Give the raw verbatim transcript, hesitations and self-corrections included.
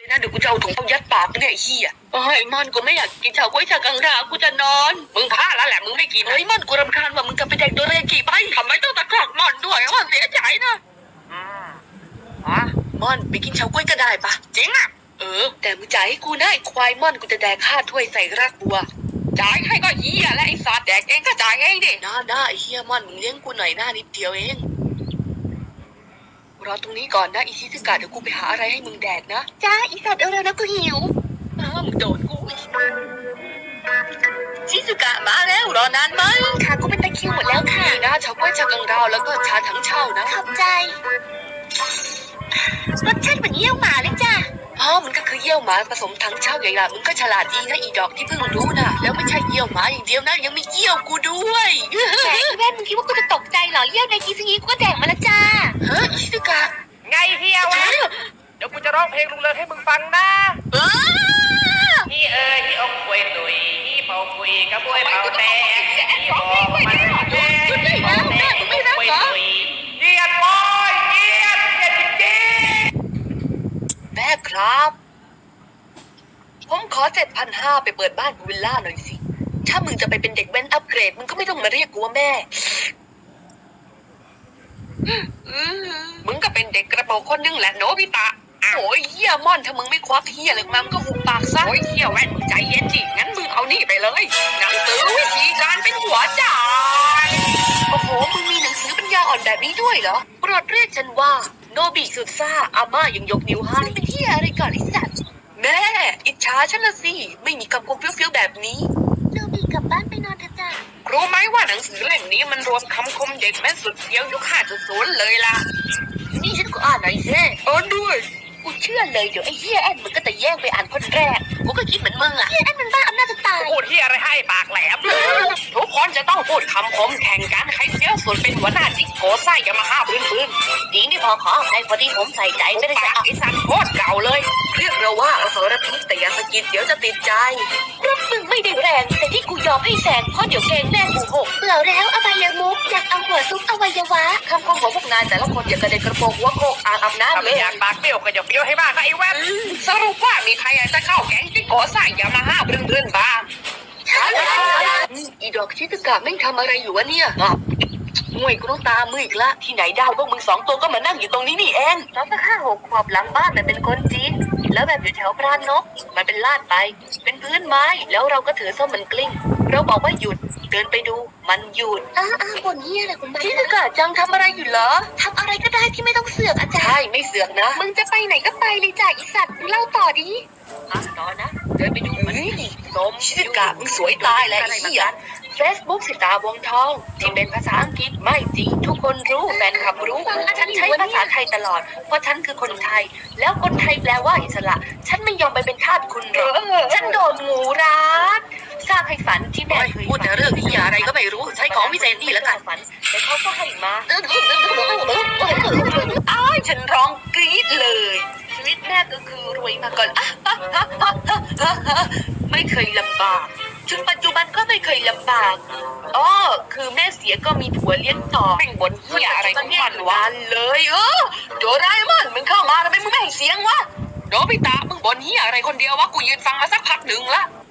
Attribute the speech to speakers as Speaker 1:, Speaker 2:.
Speaker 1: นะเดี๋ยวกูจะเอาถุงเอายัดปากเนี่ยไอ้เหี้ยเฮ้ยมันกูไม่อยากกินเฉาก๊วยชากังรากูจะนอนมึงพลาดแล้วแหละมึงไม่กินเฮ้ยมันกูรำคาญว่ามึงจะไปแดกโดเรกิไปทำไมต้องตะคอกมันด้วยว่าเสียใจนะอืมอ๋อมันไปกินเฉาก๊วยก็ได้ปะจริงอ่ะเออแต่มึงจ่ายให้กูนะไอ้ควายม่อนกูจะแดกข้าถ้วยใส่รากบัวจ่ายให้ก็เหี้ยและไอ้สัตว์แดกเองก็จ่ายเองดิน้าน้าไอ้เหี้ยม่อนมึงเลี้ยงกูหน่อยหน้านิดเดียวเองรอตรงนี้ก่อนนะอีชิซึกะเดี๋ยวกูไปหาอะไรให้มึงแดกนะจ้าอีสัตว์เร็วๆนะกูหิวอ้าวมึงโดนกูอีกชิซึกะมาแล้วรอนานไหมค่ะกูเป็นตะคริวหมดแล้วค่ะนี่นะชาก๊วยชากังราวแล้วก็ชาถังเช่านะขอบใจรสชาติเหมือนเยี่ยวหมาเลยจ้ะอ๋อมันก็คือเยี่ยวหมาผสมถังเช่าใหญ่ละมึงก็ฉลาดดีนะอีดอกที่เพิ่งรู้นะแล้วไม่ใช่เยี่ยวหมาอย่างเดียวนะยังมีเยี่ยวกูด้วยแต่แม่มึงคิดว่ากูจะตกใจเหรอเยี่ยวในกีซึงิกูก็แดกมาแล้วจ้าฮะชิซึกะ
Speaker 2: ไงเฮียวะเดี๋ยวกูจะร้องเพลงลุงเลิศให้มึงฟังนะฮีเอ๋ยฮีอกควยตุยฮีเป่าคุยกระบวยเป่าแตกฮีบอกมันแดงฮีบอกแดงฮีอกควยตุยเยียดบอยเยียดเยียดจริง
Speaker 1: ๆแม่ครับผมขอเจ็ดพันห้าไปเปิดบ้านวิลล่าหน่อยสิถ้ามึงจะไปเป็นเด็กแว้นอัปเกรดมึงก็ไม่ต้องมาเรียกกูว่าแม่มึงก็เป็นเด็กกระโปรงคนนึงแหละโนบิตะโอ้ยเหี้ยม่อนถ้ามึงไม่ควักเหี้ยเลยมันก็หุบปากซะโอ้ยเหี้ยแว่นมึงใจเย็นดิงั้นมึงเอานี่ไปเลยหนังสือวิธีการเป็นหัวจ่ายโอ้โหมึงมีหนังสือปัญญาอ่อนแบบนี้ด้วยเหรอโปรดเรียกฉันว่าโนบิสุดซ่าอาม่ายังยกนิ้วให้เป็นเหี้ยอะไรก่อนไอ้สัตว์แม่อิจฉาฉันละสิไม่มีคำคมเฟี้ยวๆแบบนี้โนบิกลับบ้านไปนอนเถอะจ้ะรู้ไหมว่าหนังสือเล่มนี้มันรวมคำคมเด็กแม่สุดเฟี้ยวยุค ห้าจุดศูนย์ เลยล่ะนี่ฉันก็อ่านหน่อยสิอ่านด้วยกูเชื่อเลยเดี๋ยวไอ้เหี้ยแอนมันก็จะแย่งไปอ่านคนแรกกูก็คิดเหมือนมึงอะเหี้ยแอนมันบ้าอำนาจจะตาย
Speaker 2: พูดที่อะไรให้ปากแหลม
Speaker 1: ทุกคนจะต้องพูดคำคมแข่งกันใครเฟี้ยวสุดเป็นหัวหน้าจิกโกไส้ยามาฮ่าพื้นพื้นจริงที่พอขอใครพอดีผมใส่ใจไม่ได้จะเอาไอ้สันโคตรเก่าเลยเรียกเราว่าอสรพิษแต่อย่าสะกิดเดี๋ยวจะติดใจรถมึงไม่ได้แรงแต่ที่กูยอมให้แซงเพราะเดี๋ยวแกงแม่กูหกเปล่าแล้วอวัยมุกอยากเอาหัวซุกอวัยวะคำคมของพวกนายแต่ละคนอย่ากระเด็นกระโปรงหัวโคกอ่างอาบน้ำเลย
Speaker 2: อยากปากเปรี้ยวก็อย่าเปรี้ยวให้มากนะไอ้แว่น
Speaker 1: สรุปว่ามีใครอยากจะเข้าแก๊งจิกโกไส้ยามาฮ่าพื้นพื้นบ้างอีดอกชิซึกะไม่ทำอะไรอยู่วะเนี่ยงวยกูต้องตามมืออีกละที่ไหนได้พวกมึงสองตัวก็มานั่งอยู่ตรงนี้นี่เองตอนสักห้าหกขวบหลังบ้านมันเป็นคนจีนแล้วแบบอยู่แถวพรานนกมันเป็นลาดไปเป็นพื้นไม้แล้วเราก็ถือส้มมันกลิ้งเราบอกว่าหยุดเดินไปดูมันหยุดอ้าอ้าคนเฮียอะไรคุณบ้าชิซึกะจังทำอะไรอยู่เหรอทำอะไรก็ได้ที่ไม่ต้องเสือกอาจารย์ใช่ไม่เสือกนะมึงจะไปไหนก็ไปเลยจ้ะอีสัตว์เล่าต่อดิอ่ะต่อนะเดินไปดูมันส้มชิซึกะมึงสวยตายแล้วไอ้เหี้ยเฟซบุ๊กสิตาวงทองที่เป็นภาษาอังกฤษไม่จริงทุกคนรู้แฟนคลับรู้ฉันใช้ภาษาไทยตลอดเพราะฉันคือคนไทยแล้วคนไทยแปลว่าอิสระฉันไม่ยอมไปเป็นทาสคุณหรอกฉันโดนงูรัดสร้างให้ฝันที่แม่เคยพูดแต่เรื่องที่อะไรก็ไม่รู้ใช้ของวิเศษนี่แล้วกันฝันแต่เขาก็ให้มาอ้ายฉันร้องกรี๊ดเลยชีวิตแม่ก็คือรวยมาก่อนไม่เคยลำบากจนปัจจุบันก็ไม่เคยลำบากอ๋อคือแม่เสียก็มีผัวเลี้ยงต่อแม่งบนเหี้ยอะไรของมันวะเลยเออโดราเอมอนมึงเข้ามาทำไมมึงไม่ให้เสียงวะโนบิตะมึงบนเหี้ยอะไรคนเดียววะกูยืนฟังมาสักพักหนึ่งละ